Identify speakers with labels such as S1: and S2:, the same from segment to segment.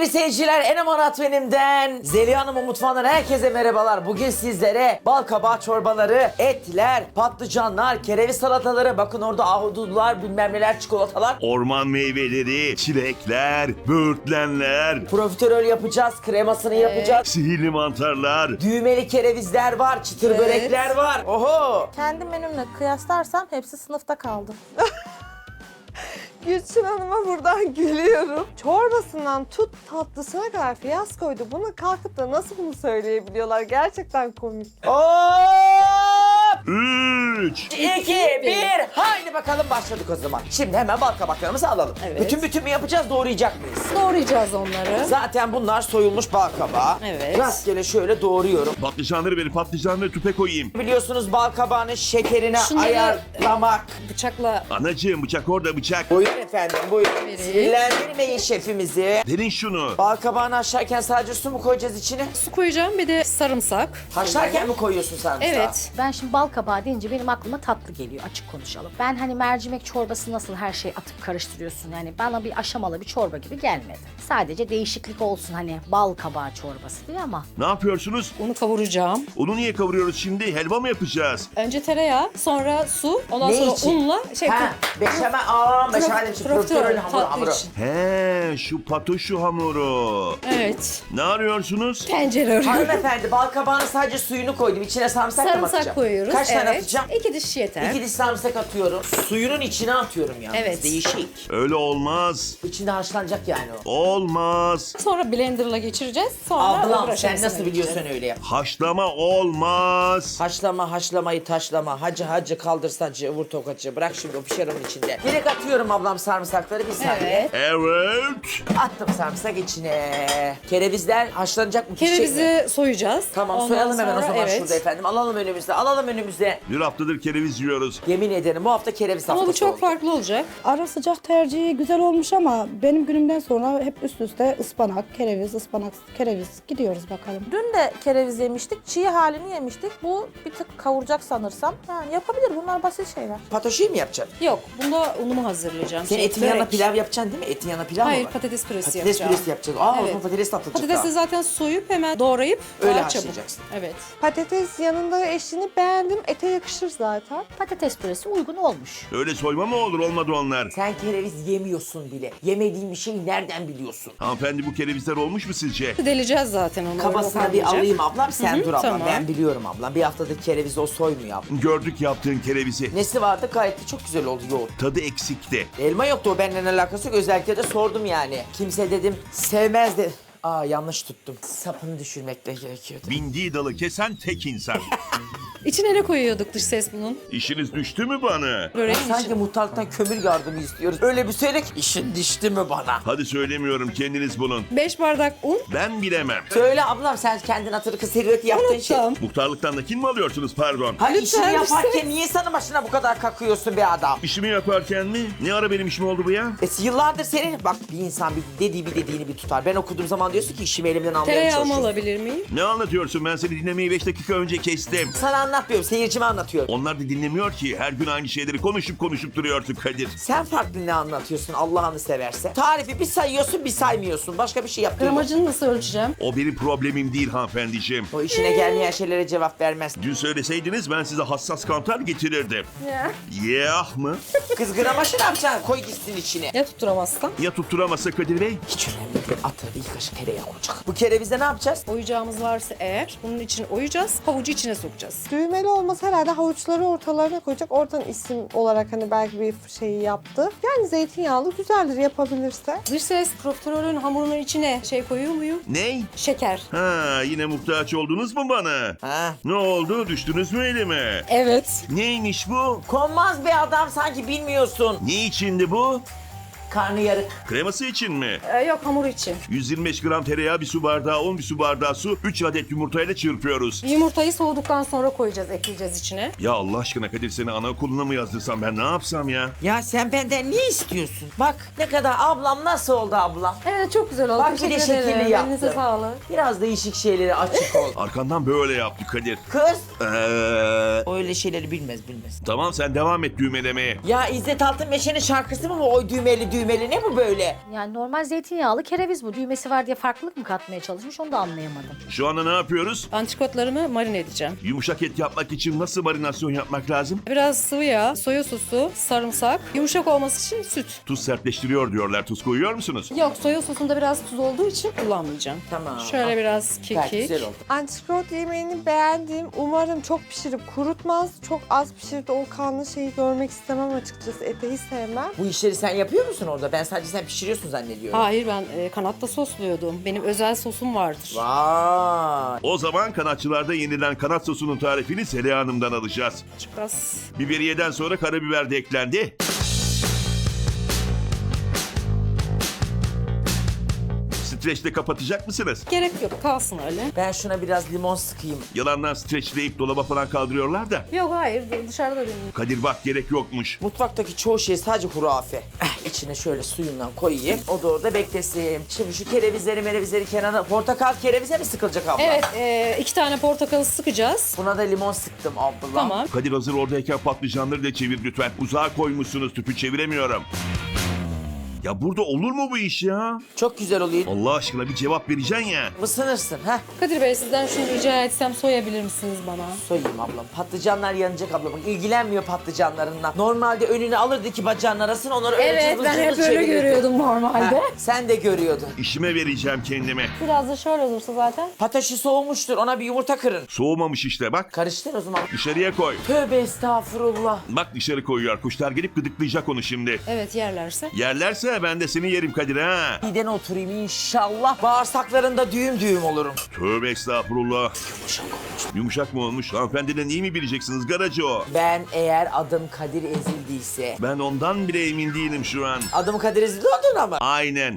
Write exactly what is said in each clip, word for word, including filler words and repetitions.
S1: Sevgili seyirciler, Enem Anatmenim'den, Zeliha Hanım'ın mutfağından herkese merhabalar. Bugün sizlere bal kabağı çorbaları, etler, patlıcanlar, kereviz salataları, bakın orada ahududular, bilmem neler, çikolatalar.
S2: Orman meyveleri, çilekler, böğürtlenler,
S1: Profiterol yapacağız, kremasını yapacağız.
S2: sihirli mantarlar.
S1: Düğmeli kerevizler var, çıtır
S3: Evet.
S1: börekler var. Oho!
S3: Kendi menümle kıyaslarsam hepsi sınıfta kaldı. Gülçin Hanım'a buradan gülüyorum. Çorbasından tut tatlısına kadar fiyaskoydu. Bunu kalkıp da nasıl bunu söyleyebiliyorlar? Gerçekten komik.
S1: Hop!
S2: Üç.
S1: iki, bir, haydi bakalım başladık o zaman. Şimdi hemen bal kabaklarımızı alalım.
S3: Evet.
S1: Bütün bütün mü yapacağız, doğrayacak mıyız?
S3: Doğrayacağız onları.
S1: Zaten bunlar soyulmuş bal kabağı.
S3: Evet.
S1: Rastgele şöyle doğruyorum.
S2: Patlıcanları ver, patlıcanları tüpe koyayım.
S1: Biliyorsunuz bal kabağının şekerine
S3: Şunları-
S1: ayarlamak.
S3: Bıçakla
S2: Anacığım bıçak orada bıçak.
S1: Buyurun efendim, buyurun.
S3: Vereyim.
S1: Sinirlendirmeyin şefimizi.
S2: Verin şunu.
S1: Bal kabağını haşlarken sadece su mu koyacağız içine?
S4: Su koyacağım, bir de sarımsak.
S1: Haşlarken mi koyuyorsun sarımsağı?
S4: Evet.
S5: Ben şimdi bal kabağı deyince benim aklıma tatlı geliyor, açık konuşalım. Ben hani mercimek çorbası nasıl her şeyi atıp karıştırıyorsun, yani bana bir aşamalı bir çorba gibi gelmedi. Sadece değişiklik olsun hani bal kabağı çorbası diye ama.
S2: Ne yapıyorsunuz?
S4: Unu kavuracağım.
S2: Onu niye kavuruyoruz şimdi? Helva mı yapacağız?
S4: Önce tereyağı, sonra su, ondan
S1: Ne
S4: sonra
S1: için?
S4: unla şey
S1: Ha, beşamel, aa beşamel için, profiterol hamuru,
S4: tatlı
S1: hamuru.
S4: için.
S2: He, şu patoşu hamuru.
S4: Evet.
S2: Ne arıyorsunuz?
S4: Tencere arıyorum.
S1: Hanımefendi, bal kabağının sadece suyunu koydum. İçine sarımsak, mı atacağım?
S4: Sarımsak koyuyoruz.
S1: Kaç
S4: evet.
S1: tane atacağım?
S4: İki diş yeter.
S1: İki diş sarımsak atıyorum. Suyunun içine atıyorum yani.
S4: Evet.
S1: Değişik.
S2: Öyle olmaz.
S1: İçinde haşlanacak yani o.
S2: Olmaz.
S4: Sonra blenderla geçireceğiz. Sonra
S1: Ablam
S4: öbür
S1: sen
S4: aşamasına
S1: nasıl biliyorsun
S4: geçeceğiz.
S1: öyle yap.
S2: Haşlama olmaz.
S1: Haşlama, haşlamayı taşlama. Hacı hacı kaldırsacı, vur tokacı. Bırak şimdi o pişer onun içinde. Direkt atıyorum ablam sarımsakları, bir saniye.
S4: Evet.
S2: Evet.
S1: Attım sarımsak içine. Kerevizler haşlanacak mı? pişecek mi?
S4: Kerevizi soyacağız.
S1: Tamam,
S4: Ondan
S1: soyalım hemen o
S4: sonra-
S1: zaman
S4: evet.
S1: şurada efendim. Alalım önümüzde, alalım önümüzde.
S2: Bir haftadır kereviz yiyoruz.
S1: Yemin ederim bu hafta kereviz
S4: Ama
S1: haftası
S4: bu çok
S1: oldu.
S4: farklı olacak.
S6: Ara sıcak tercihi güzel olmuş ama benim günümden sonra hep üst üste ıspanak, kereviz, ıspanak, kereviz gidiyoruz bakalım.
S3: Dün de kereviz yemiştik, çiğ halini yemiştik. Bu bir tık kavuracak sanırsam. Yani yapabilir, bunlar basit şeyler.
S1: Patoşeyi mi yapacaksın?
S4: Yok, bunda unumu hazırlayacağım.
S1: Sen
S4: Şey,
S1: etin yanına
S4: börek.
S1: pilav yapacaksın değil mi? Etin yanına pilav mı
S4: Hayır,
S1: var?
S4: patates püresi
S1: Patates
S4: yapacağım.
S1: püresi yapacağız. Aa o
S4: Evet.
S1: zaman patates de atılacak
S4: Patatesi
S1: daha.
S4: zaten soyup hemen doğrayıp
S1: Öyle
S4: daha çabuk.
S1: haşlayacaksın.
S4: Evet.
S3: Patates yanında eşini beğendim. Ete yakışır zaten.
S5: Patates püresi uygun olmuş.
S2: Öyle soyma mı olur? Olmadı onlar.
S1: Sen kereviz yemiyorsun bile. Yemediğin bir şeyi nereden biliyorsun?
S2: Hanımefendi bu kerevizler olmuş mu sizce?
S4: Deleceğiz zaten onu.
S1: Kabasına
S4: öyle
S1: bir
S4: olmayacak.
S1: alayım ablam, sen
S4: Hı hı,
S1: dur ablam.
S4: tamam.
S1: Ben biliyorum ablam. Bir haftadır kereviz o soymuyor ablam.
S2: Gördük yaptığın kerevizi.
S1: Nesi vardı? Gayet de çok güzel oldu yoğurt.
S2: Tadı eksikti.
S1: Elma yoktu, o benimle alakası yok. Özellikle de sordum yani. Kimse dedim sevmez de... Aa yanlış tuttum. Sapını düşürmekle gerekiyordu.
S2: Bindiği dalı kesen tek insan.
S4: İçine ne koyuyorduk dış ses bunun?
S2: İşiniz düştü mü bana?
S4: Böreğin
S1: Sanki
S4: için.
S1: muhtarlıktan kömür yardımı istiyoruz. Öyle bir söyle ki işin dişti mi bana?
S2: Hadi söylemiyorum, kendiniz bulun.
S4: Beş bardak un.
S2: Ben bilemem.
S1: Söyle ablam, sen kendin hatırı servet yaptığın şey.
S4: Unuttum.
S2: Muhtarlıktan da kin mi alıyorsunuz pardon?
S1: Ha
S4: Lütfen
S1: işini yaparken
S4: lütfen.
S1: niye sana başına bu kadar kakıyorsun be adam?
S2: İşimi yaparken mi? Ne ara benim işim oldu bu ya?
S1: E, yıllardır senin... Bak bir insan bir dediği bir dediğini bir tutar. Ben okuduğum zaman diyorsun ki işimi elimden almaya
S4: Tereyağımı
S1: çalışıyorum.
S4: alabilir miyim?
S2: Ne anlatıyorsun? Ben seni dinlemeyi beş dakika önce kestim.
S1: Sana anlatmıyorum, seyircime anlatıyorum.
S2: Onlar da dinlemiyor ki. Her gün aynı şeyleri konuşup konuşup duruyorsun Kadir.
S1: Sen farklı ne anlatıyorsun Allah'ını severse? Tarifi bir sayıyorsun bir saymıyorsun. Başka bir şey yapmıyorsun.
S4: Gramajını nasıl ölçeceğim?
S2: O benim problemim değil hanımefendiciğim.
S1: O işine gelmeyen şeylere cevap vermez.
S2: Dün söyleseydiniz ben size hassas kantar getirirdim.
S4: Ya.
S2: Yeah mı?
S1: Kız gramaşı ne yapacaksın? Koy gitsin içine.
S4: Ya tutturamazsam?
S2: Ya tutturamazsa Kadir Bey?
S1: Hiç önemli değil. Atı bir kaşık tereyağı olacak. Bu kerevizde ne yapacağız?
S4: Oyacağımız varsa eğer bunun için oyacağız, havucu içine sokacağız.
S3: Düğmeli olması herhalde havuçları ortalarına koyacak. Oradan isim olarak hani belki bir şeyi yaptı. Yani zeytinyağlı güzeldir yapabilirse.
S4: Dış ses profiterolün hamurunun içine şey koyuyor muyum?
S2: Ney?
S4: Şeker.
S2: Ha yine muhtaç oldunuz mu bana?
S1: Ha?
S2: Ne oldu? Düştünüz mü elime?
S4: Evet.
S2: Neymiş bu?
S1: Konmaz be adam, sanki bilmiyorsun.
S2: Ne içindi bu?
S1: Karnı yarık.
S2: Kreması için mi?
S4: Ee, yok hamur için.
S2: yüz yirmi beş gram tereyağı, bir su bardağı, on bir su bardağı su, üç adet yumurtayla çırpıyoruz.
S4: Yumurtayı soğuduktan sonra koyacağız, ekleyeceğiz içine.
S2: Ya Allah aşkına Kadir, seni anaokuluna mı yazdırsam, ben ne yapsam ya?
S1: Ya sen benden ne istiyorsun? Bak ne kadar ablam, nasıl oldu ablam?
S4: Evet çok güzel oldu.
S1: Bak bir de
S4: Teşekkür
S1: şekilli
S4: ederim.
S1: yaptı.
S4: Elinize sağlık.
S1: Biraz değişik şeylere açık ol.
S2: Arkandan böyle yaptı Kadir.
S1: Kız
S2: Ee,
S1: o öyle şeyleri bilmez bilmez.
S2: tamam sen devam et düğmelemeye.
S1: Ya İzzet Altınmeşe'nin şarkısı mı bu, oy düğmeli düğmeli? düğmeli ne bu böyle?
S5: Yani normal zeytinyağlı kereviz bu. Düğmesi var diye farklılık mı katmaya çalışmış onu da anlayamadım.
S2: Şu anda ne yapıyoruz?
S4: Antrikotlarımı marine edeceğim.
S2: Yumuşak et yapmak için nasıl marinasyon yapmak lazım?
S4: Biraz sıvı yağ, soya sosu, sarımsak, yumuşak olması için süt.
S2: Tuz sertleştiriyor diyorlar. Tuz koyuyor musunuz?
S4: Yok, soya sosunda biraz tuz olduğu için kullanmayacağım.
S1: Tamam.
S4: Şöyle biraz
S1: Gayet
S4: kekik.
S1: güzel oldu.
S3: Antrikot yemeğini beğendiğim, umarım çok pişirip kurutmaz. Çok az pişirip de o kanlı şeyi görmek istemem açıkçası. Eti hiç sevmem.
S1: Bu işleri sen yapıyor musun orada? Ben sadece sen pişiriyorsun zannediyorum.
S4: Hayır, ben e, kanatta sosluyordum. Benim özel sosum vardır.
S1: Vay.
S2: O zaman kanatçılarda yenilen kanat sosunun tarifini Zeliha Hanım'dan alacağız.
S4: Çok az.
S2: Biberiyeden sonra karabiber de eklendi. Streçle kapatacak mısınız?
S4: Gerek yok, kalsın öyle.
S1: Ben şuna biraz limon sıkayım.
S2: Yalandan streçleyip dolaba falan kaldırıyorlar da.
S4: Yok hayır, dışarıda benim.
S2: Kadir bak gerek yokmuş.
S1: Mutfaktaki çoğu şey sadece hurafe. Eh, içine şöyle suyundan koyayım. O da orada beklesin. Şimdi şu kerevizleri merevizleri kenara... Portakal kerevize mi sıkılacak abla?
S4: Evet, e, iki tane portakalı sıkacağız.
S1: Buna da limon sıktım abla.
S4: Tamam.
S2: Kadir hazır oradayken patlıcanları da çevir lütfen. Uzağa koymuşsunuz, tüpü çeviremiyorum. Ya burada olur mu bu iş ya?
S1: Çok güzel oluyor.
S2: Allah aşkına bir cevap vereceksin ya.
S1: Isınırsın ha.
S4: Kadir Bey, sizden şunu rica etsem soyabilir misiniz bana?
S1: Soyayım ablam. Patlıcanlar yanacak ablam. Bak ilgilenmiyor patlıcanlarından. Normalde önüne alırdı ki bacağın arasını onları öyle
S4: Evet,
S1: cıvıl
S4: ben
S1: cıvıl
S4: hep öyle
S1: çevirirdi.
S4: görüyordum normalde.
S1: Ha, sen de görüyordun.
S2: İşime vereceğim kendime.
S4: Biraz da şöyle olursa zaten.
S1: Pataşı soğumuştur. Ona bir yumurta kırın.
S2: Soğumamış işte bak.
S1: Karıştır o zaman.
S2: Dışarıya koy.
S1: Tövbe estağfurullah.
S2: Bak dışarı koyuyor. Kuşlar gelip gıdıklayacak onu şimdi.
S4: Evet, yerlerse.
S2: Yerlerse ben de seni yerim Kadir ha.
S1: Midene oturayım inşallah. Bağırsaklarında düğüm düğüm olurum.
S2: Tövbe estağfurullah. Yumuşak mı olmuş? Hanımefendiden iyi mi bileceksiniz garacı o?
S1: Ben eğer adım Kadir ezildiyse...
S2: Ben ondan bile emin değilim şu an.
S1: Adım Kadir ezildi oldun ama.
S2: Aynen.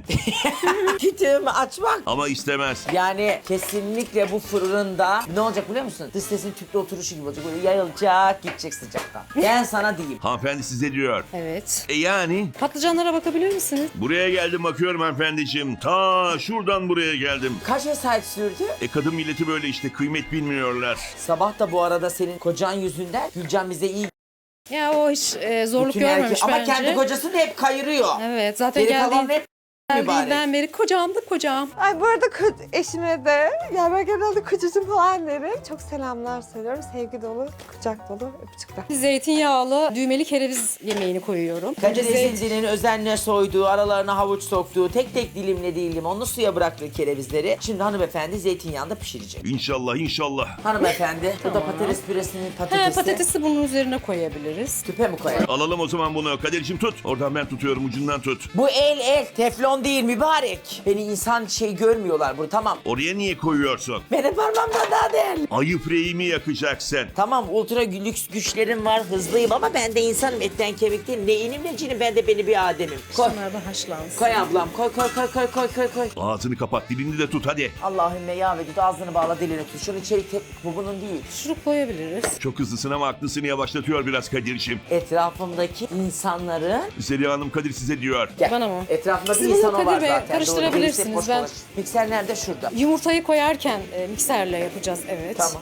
S1: Kütüğümü açmak.
S2: Ama istemez.
S1: Yani kesinlikle bu fırında ne olacak biliyor musun? Dış sesin tüplü oturuşu gibi olacak. Böyle yayılacak, gidecek sıcaktan. Ben sana diyeyim.
S2: Hanımefendi size diyor.
S4: Evet.
S2: E yani?
S4: Patlıcanlara bakabilir misiniz?
S2: Buraya geldim bakıyorum hanımefendiciğim. Ta şuradan buraya geldim.
S1: Kaç vesayet sürdü?
S2: E kadın milleti böyle işte kıymet bilmiyorlar.
S1: Sabah da bu arada senin kocan yüzünden Gülcan bize iyi
S4: Ya o hiç e, zorluk
S1: bütün erkek-
S4: görmemiş
S1: ama
S4: bence.
S1: kendi kocasını hep kayırıyor.
S4: Evet, zaten
S1: Geri kalan
S4: geldiği,
S1: hep mübarek.
S4: geldiğinden beri kocamdı kocam.
S3: Ay bu arada ko- eşime de, ya ben genelde kocacığım falan derim. Çok selamlar söylüyorum. Sevgi dolu, kucak dolu öpücükler.
S4: Zeytinyağlı düğmeli kereviz yemeğini koyuyorum.
S1: Kadir
S4: Zeyt-
S1: ezildinin özenle soyduğu, aralarına havuç soktuğu, tek tek dilimlediği limonlu suya bıraktığı kerevizleri şimdi hanımefendi zeytinyağında pişirecek.
S2: İnşallah inşallah.
S1: Hanımefendi, bu da patates püresinin patatesi.
S4: He, patatesi bunun üzerine koyabiliriz.
S1: Tüpe mi koyalım?
S2: Alalım o zaman bunu. Kadir'cim tut. Oradan ben tutuyorum ucundan tut.
S1: Bu el el, teflon değil mübarek. Beni insan şey görmüyorlar burada, tamam.
S2: Oraya niye koyuyorsun?
S1: Benim parmağımdan daha değerli.
S2: Ayı freyimi yakacaksın.
S1: Tamam, ultra lüks güçlerim var, hızlıyım ama ben de insanım, etten kemik değil. Ne inim ne cinim, ben de beni bir Adem'im. Koy,
S4: Bunlar da haşlansın.
S1: koy ablam, koy koy koy koy koy koy koy.
S2: Ağzını kapat dilini de tut hadi.
S1: Allahümme ya vedud, ağzını bağla, dilini tut. Şunu içeri tep, bu bunun değil.
S4: Şurup koyabiliriz.
S2: Çok hızlısın ama aklısını yavaşlatıyor biraz Kadir'cim.
S1: Etrafımdaki insanların...
S2: Zeliha Hanım Kadir size diyor.
S1: Gel.
S4: Bana mı?
S1: Etrafımda
S4: Siz
S1: bir
S4: bunu
S1: insan o
S4: Kadir
S1: var
S4: Bey
S1: zaten.
S4: karıştırabilirsiniz.
S1: Doğru, boş
S4: Ben-
S1: dolaş. Mikser nerede? Şurada.
S4: Yumurtayı koyarken e, mikserle yapacağız, evet.
S1: Tamam.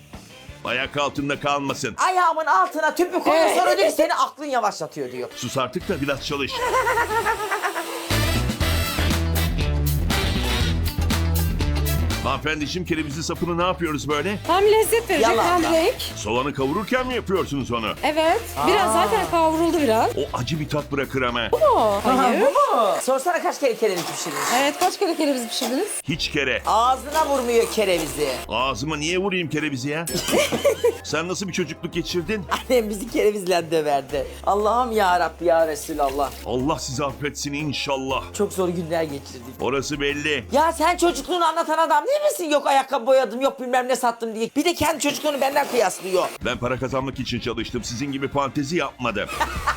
S2: Ayak altında kalmasın.
S1: Ayağımın altına tüpü koyuyor,
S4: Evet.
S1: sonra diyor ki seni aklın yavaşlatıyor diyor.
S2: Sus artık da biraz çalış. Hanımefendiciğim kerevizli sapını ne yapıyoruz böyle?
S4: Hem lezzet verecek
S1: Yalan
S4: hem
S1: ya.
S4: renk.
S2: Soğanı kavururken mi yapıyorsunuz onu?
S4: Evet. Biraz
S1: Aa.
S4: zaten kavruldu biraz.
S2: O acı bir tat bırakır ama.
S4: O, hayır.
S1: Bu mu? Sorsana kaç kere kereviz pişirdin?
S4: Evet, kaç kere kereviz pişirdiniz?
S2: Hiç kere.
S1: Ağzına vurmuyor kerevizi.
S2: Ağzıma niye vurayım kerevizi ya? Sen nasıl bir çocukluk geçirdin?
S1: Annem bizi kerevizle döverdi. Allah'ım ya Rabbi ya Resulallah.
S2: Allah sizi affetsin inşallah.
S1: Çok zor günler geçirdik.
S2: Orası belli.
S1: Ya sen çocukluğunu anlatan adam değil misin? Yok ayakkabı boyadım, yok bilmem ne sattım diye. Bir de kendi çocukluğunu benden kıyaslıyor.
S2: Ben para kazanmak için çalıştım. Sizin gibi fantezi yapmadım.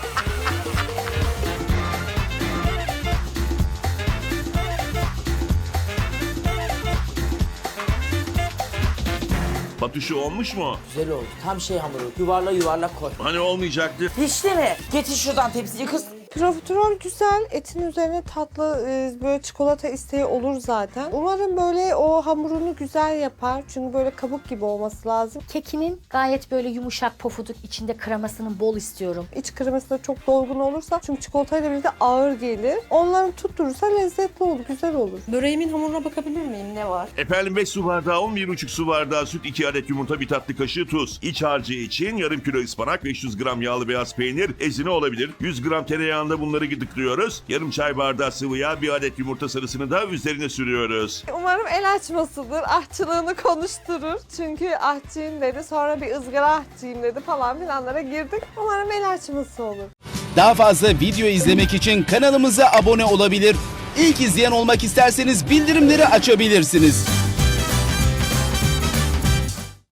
S2: Patuşu olmuş mu?
S1: Güzel oldu. Tam şey hamuru. Yuvarla yuvarla koy.
S2: Hani olmayacaktı?
S1: Pişti mi? Getir şuradan tepsiyi kız.
S3: Profiterol güzel. Etin üzerine tatlı e, böyle çikolata isteği olur zaten. Umarım böyle o hamurunu güzel yapar. Çünkü böyle kabuk gibi olması lazım.
S5: Kekinin gayet böyle yumuşak pofuduk, içinde kremasının bol istiyorum.
S3: İç kreması da çok dolgun olursa çünkü çikolatayla birlikte ağır gelir. Onları tutturursa lezzetli olur, güzel olur.
S4: Böreğimin hamuruna bakabilir miyim? Ne var?
S2: Efendim beş su bardağı un, bir buçuk su bardağı süt, iki adet yumurta, bir tatlı kaşığı tuz. İç harcı için yarım kilo ıspanak, beş yüz gram yağlı beyaz peynir, ezine olabilir. yüz gram tereyağında bunları gıdıklıyoruz. Yarım çay bardağı sıvı yağ, bir adet yumurta sarısını da üzerine sürüyoruz.
S3: Umarım el açmasıdır, aşçılığını konuşturur. Çünkü aşçıyım dedi, sonra bir ızgara aşçıyım dedi falan filanlara girdik. Umarım el açması olur.
S7: Daha fazla video izlemek için kanalımıza abone olabilir. İlk izleyen olmak isterseniz bildirimleri açabilirsiniz.